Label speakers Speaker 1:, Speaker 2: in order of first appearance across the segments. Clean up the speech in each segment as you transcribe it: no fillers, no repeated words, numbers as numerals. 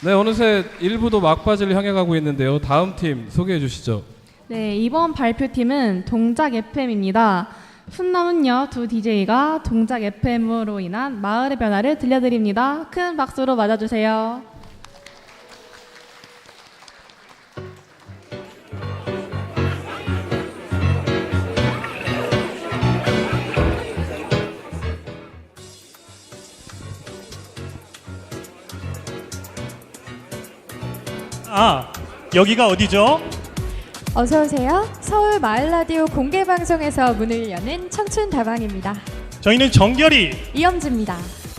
Speaker 1: 네, 어느새 1부도 막바지를 향해 가고 있는데요. 다음 팀 소개해 주시죠.
Speaker 2: 네, 이번 발표팀은 동작 FM입니다. 훈남은요 두 DJ가 동작 FM으로 인한 마을의 변화를 들려드립니다. 큰 박수로 맞아주세요.
Speaker 3: 아, 여기가 어디죠?
Speaker 4: 어서 오세요. 서울 마을 라디오 공개 방송에서 문을 여는 청춘 다방입니다.
Speaker 3: 저희는 정결이
Speaker 4: 이영지입니다.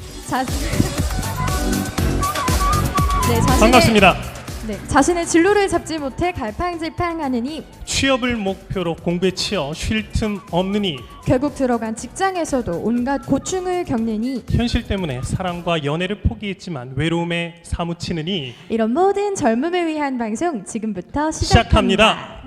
Speaker 3: 반갑습니다.
Speaker 4: 자신의 진로를 잡지 못해 갈팡질팡하느니
Speaker 3: 취업을 목표로 공부에 치여 쉴 틈 없느니
Speaker 4: 결국 들어간 직장에서도 온갖 고충을 겪느니
Speaker 3: 현실 때문에 사랑과 연애를 포기했지만 외로움에 사무치느니
Speaker 4: 이런 모든 젊음을 위한 방송 지금부터
Speaker 3: 시작합니다.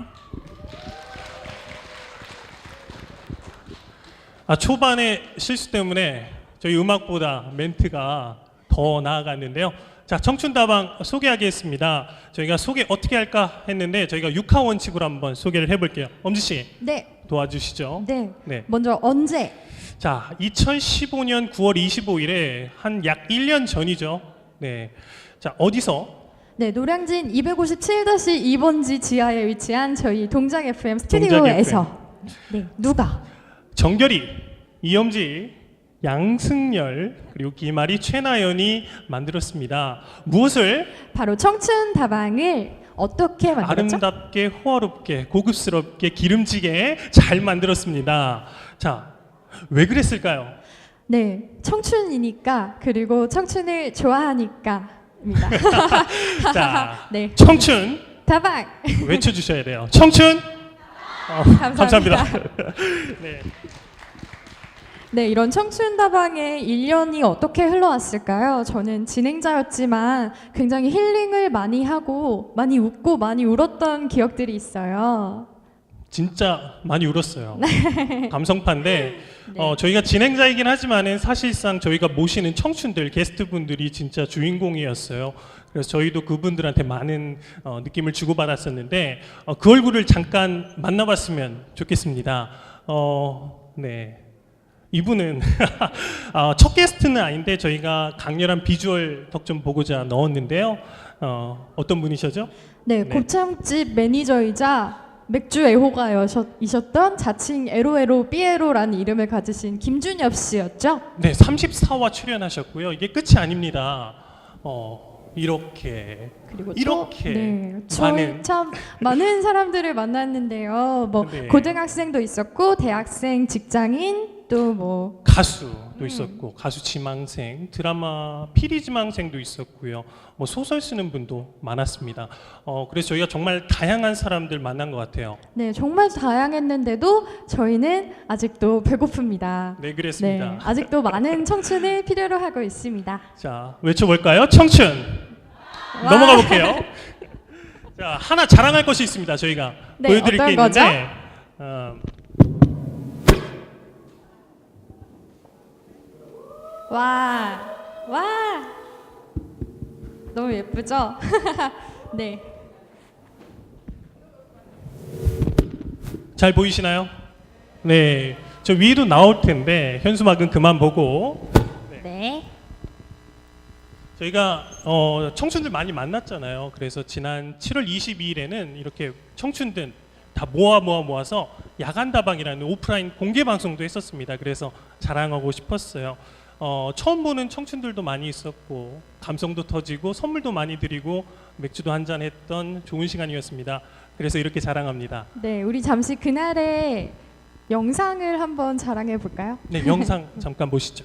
Speaker 3: 초반에 실수 때문에 저희 음악보다 멘트가 더 나아갔는데요. 자, 청춘다방 소개하겠습니다. 저희가 소개 어떻게 할까 했는데 저희가 6화 원칙으로 한번 소개를 해볼게요. 엄지 씨,
Speaker 4: 네.
Speaker 3: 도와주시죠.
Speaker 4: 네. 먼저 언제?
Speaker 3: 자, 2015년 9월 25일에 한 약 1년 전이죠. 네. 자, 어디서?
Speaker 4: 네, 노량진 257-2번지 지하에 위치한 저희 동작 FM 스튜디오에서 네, 누가?
Speaker 3: 정결이, 이엄지, 양승열 그리고 김아리, 최나연이 만들었습니다. 무엇을?
Speaker 4: 바로 청춘 다방을 어떻게 만들었죠?
Speaker 3: 아름답게, 호화롭게, 고급스럽게, 기름지게 잘 만들었습니다. 자, 왜 그랬을까요?
Speaker 4: 네, 청춘이니까 그리고 청춘을 좋아하니까입니다.
Speaker 3: 자,
Speaker 4: 네,
Speaker 3: 청춘
Speaker 4: 다방
Speaker 3: 외쳐주셔야 돼요. 청춘. 감사합니다. 네.
Speaker 4: 네, 이런 청춘 다방의 1년이 어떻게 흘러왔을까요? 저는 진행자였지만 굉장히 힐링을 많이 하고 많이 웃고 많이 울었던 기억들이 있어요.
Speaker 3: 진짜 많이 울었어요. 감성파인데
Speaker 4: 네.
Speaker 3: 저희가 진행자이긴 하지만은 사실상 저희가 모시는 청춘들, 게스트분들이 진짜 주인공이었어요. 그래서 저희도 그분들한테 많은 느낌을 주고받았었는데 그 얼굴을 잠깐 만나봤으면 좋겠습니다. 네. 이분은 첫 게스트는 아닌데 저희가 강렬한 비주얼 덕 좀 보고자 넣었는데요. 어떤 분이시죠?
Speaker 4: 네, 곱창집 매니저이자 맥주 애호가이셨던 자칭 에로에로 삐에로라는 이름을 가지신 김준엽 씨였죠?
Speaker 3: 네, 34화 출연하셨고요. 이게 끝이 아닙니다. 이렇게
Speaker 4: 그리고
Speaker 3: 이렇게
Speaker 4: 네, 저희 참 많은 사람들을 만났는데요. 뭐
Speaker 3: 네.
Speaker 4: 고등학생도 있었고 대학생, 직장인 또 뭐
Speaker 3: 가수도 있었고 가수 지망생, 드라마 피리 지망생도 있었고요. 뭐 소설 쓰는 분도 많았습니다. 그래서 저희가 정말 다양한 사람들 만난 것 같아요.
Speaker 4: 네, 정말 다양했는데도 저희는 아직도 배고픕니다.
Speaker 3: 네, 그랬습니다.
Speaker 4: 네, 아직도 많은 청춘을 필요로 하고 있습니다.
Speaker 3: 자, 외쳐볼까요? 청춘.
Speaker 4: 와.
Speaker 3: 넘어가 볼게요. 자, 하나 자랑할 것이 있습니다. 저희가
Speaker 4: 네,
Speaker 3: 보여드릴 게
Speaker 4: 어떤 거죠?
Speaker 3: 있는데
Speaker 4: 와, 너무 예쁘죠? 네.
Speaker 3: 잘 보이시나요? 네, 저 위도 나올 텐데 현수막은 그만 보고.
Speaker 4: 네.
Speaker 3: 저희가 청춘들 많이 만났잖아요. 그래서 지난 7월 22일에는 이렇게 청춘들 다 모아서 야간다방이라는 오프라인 공개 방송도 했었습니다. 그래서 자랑하고 싶었어요. 처음 보는 청춘들도 많이 있었고 감성도 터지고 선물도 많이 드리고 맥주도 한잔 했던 좋은 시간이었습니다. 그래서 이렇게 자랑합니다.
Speaker 4: 네, 우리 잠시 그날의 영상을 한번 자랑해 볼까요?
Speaker 3: 네, 영상 잠깐 보시죠.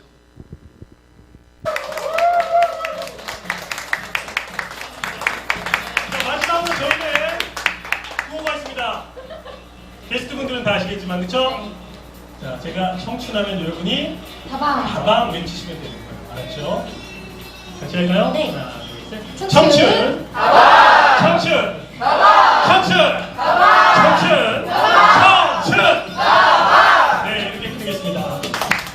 Speaker 3: 마지막으로 저희는 구호가 있습니다. 게스트분들은 다 아시겠지만 그렇죠? 자, 제가 청춘하면 여러분이 다방 외치시면 되는 거예요. 알았죠? 같이 할까요?
Speaker 4: 네.
Speaker 3: 하나, 둘, 셋. 청춘! 다방! 청춘! 다방! 청춘! 다방! 청춘! 다방! 청춘! 다방! 네, 이렇게 부르겠습니다.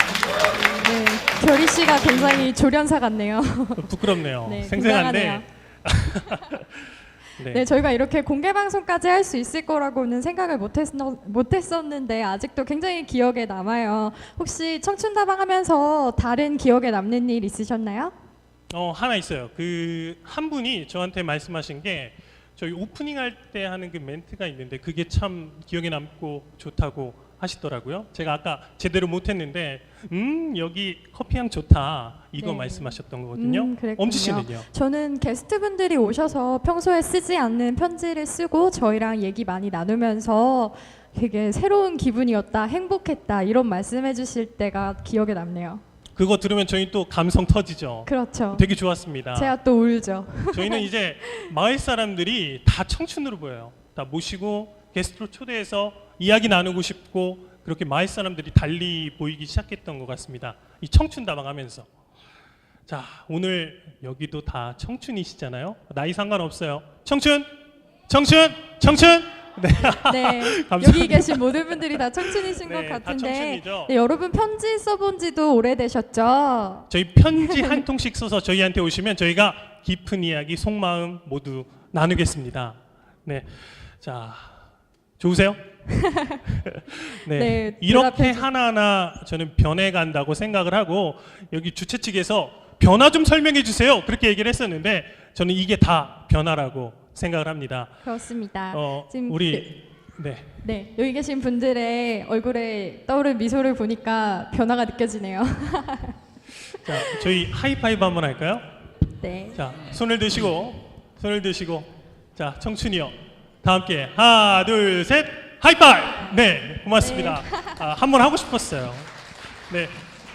Speaker 4: 네, 결희 씨가 굉장히 조련사 같네요.
Speaker 3: 부끄럽네요.
Speaker 4: 네,
Speaker 3: 생생한데
Speaker 4: 굉장하네요. 네, 저희가 이렇게 공개 방송까지 할 수 있을 거라고는 생각을 못했었는데 아직도 굉장히 기억에 남아요. 혹시 청춘다방 하면서 다른 기억에 남는 일 있으셨나요?
Speaker 3: 하나 있어요. 그 한 분이 저한테 말씀하신 게 저희 오프닝 할 때 하는 그 멘트가 있는데 그게 참 기억에 남고 좋다고 하시더라고요. 제가 아까 제대로 못했는데 여기 커피향 좋다 이거
Speaker 4: 네.
Speaker 3: 말씀하셨던 거거든요.
Speaker 4: 그랬군요.
Speaker 3: 엄지 씨는요?
Speaker 4: 저는 게스트분들이 오셔서 평소에 쓰지 않는 편지를 쓰고 저희랑 얘기 많이 나누면서 되게 새로운 기분이었다, 행복했다 이런 말씀해 주실 때가 기억에 남네요.
Speaker 3: 그거 들으면 저희 또 감성 터지죠.
Speaker 4: 그렇죠.
Speaker 3: 되게 좋았습니다.
Speaker 4: 제가 또 울죠.
Speaker 3: 저희는 이제 마을 사람들이 다 청춘으로 보여요. 다 모시고 게스트로 초대해서 이야기 나누고 싶고 그렇게 마을 사람들이 달리 보이기 시작했던 것 같습니다. 이 청춘 다방 하면서. 자, 오늘 여기도 다 청춘이시잖아요. 나이 상관없어요. 청춘! 청춘! 청춘! 네.
Speaker 4: 네,
Speaker 3: 감사합니다.
Speaker 4: 여기 계신 모든 분들이 다 청춘이신
Speaker 3: 네,
Speaker 4: 것
Speaker 3: 다
Speaker 4: 같은데
Speaker 3: 청춘이죠.
Speaker 4: 네, 여러분 편지 써본 지도 오래되셨죠?
Speaker 3: 저희 편지 한 통씩 써서 저희한테 오시면 저희가 깊은 이야기, 속마음 모두 나누겠습니다. 네. 자, 좋으세요? 네.
Speaker 4: 네,
Speaker 3: 이렇게
Speaker 4: 대답해 주-
Speaker 3: 하나하나 저는 변해간다고 생각을 하고 여기 주최 측에서 변화 좀 설명해 주세요. 그렇게 얘기를 했었는데 저는 이게 다 변화라고 생각을 합니다.
Speaker 4: 그렇습니다. 지금
Speaker 3: 우리 네.
Speaker 4: 네, 여기 계신 분들의 얼굴에 떠오른 미소를 보니까 변화가 느껴지네요.
Speaker 3: 자, 저희 하이파이브 한번 할까요?
Speaker 4: 네.
Speaker 3: 자, 손을 드시고 자, 청춘이요. 다 함께 하나, 둘, 셋. 하이파이브. 네, 고맙습니다. 한번 하고 싶었어요. 네.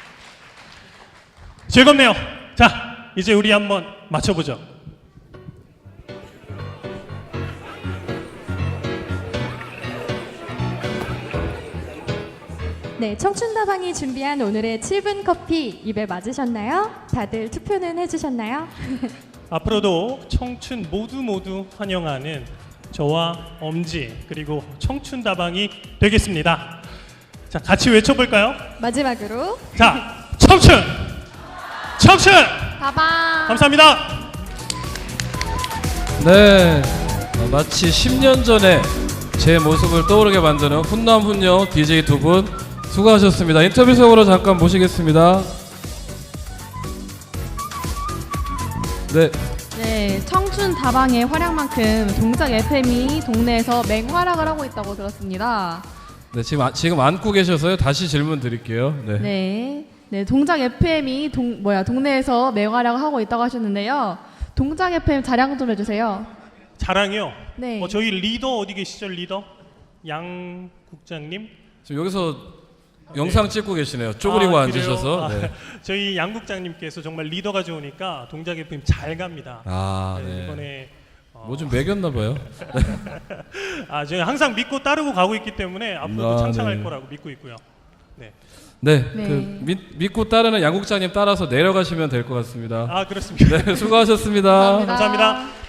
Speaker 3: 즐겁네요. 자, 이제 우리 한번 맞춰 보죠.
Speaker 4: 네, 청춘다방이 준비한 오늘의 7분 커피 입에 맞으셨나요? 다들 투표는 해주셨나요?
Speaker 3: 앞으로도 청춘 모두 환영하는 저와 엄지 그리고 청춘 다방이 되겠습니다. 자, 같이 외쳐볼까요?
Speaker 4: 마지막으로
Speaker 3: 자, 청춘
Speaker 2: 다방.
Speaker 3: 감사합니다.
Speaker 1: 네, 마치 10년 전에 제 모습을 떠오르게 만드는 훈남훈녀 DJ 두 분 수고하셨습니다. 인터뷰 속으로 잠깐 모시겠습니다. 네,
Speaker 2: 네, 청춘 다방의 활약만큼 동작 FM이 동네에서 맹활약을 하고 있다고 들었습니다.
Speaker 1: 네 지금 안고 계셔서요. 다시 질문 드릴게요. 네.
Speaker 2: 네, 네, 동작 FM이 동네에서 맹활약을 하고 있다고 하셨는데요. 동작 FM 자랑 좀 해주세요.
Speaker 3: 자랑이요.
Speaker 2: 네.
Speaker 3: 저희 리더 어디 계시죠? 리더 양 국장님.
Speaker 1: 지금 여기서 영상 찍고 계시네요. 쪼그리고 앉으셔서.
Speaker 3: 그래요?
Speaker 1: 네.
Speaker 3: 저희 양 국장님께서 정말 리더가 좋으니까 동작 FM 잘 갑니다.
Speaker 1: 네.
Speaker 3: 이번에
Speaker 1: 뭐 좀 매겼나 봐요.
Speaker 3: 저희 항상 믿고 따르고 가고 있기 때문에 앞으로도 창창할
Speaker 1: 네.
Speaker 3: 거라고 믿고 있고요. 네.
Speaker 1: 네,
Speaker 2: 네.
Speaker 1: 그 믿고 따르는 양국장님 따라서 내려가시면 될 것 같습니다.
Speaker 3: 그렇습니다.
Speaker 1: 네, 수고하셨습니다.
Speaker 2: 감사합니다.
Speaker 3: 감사합니다.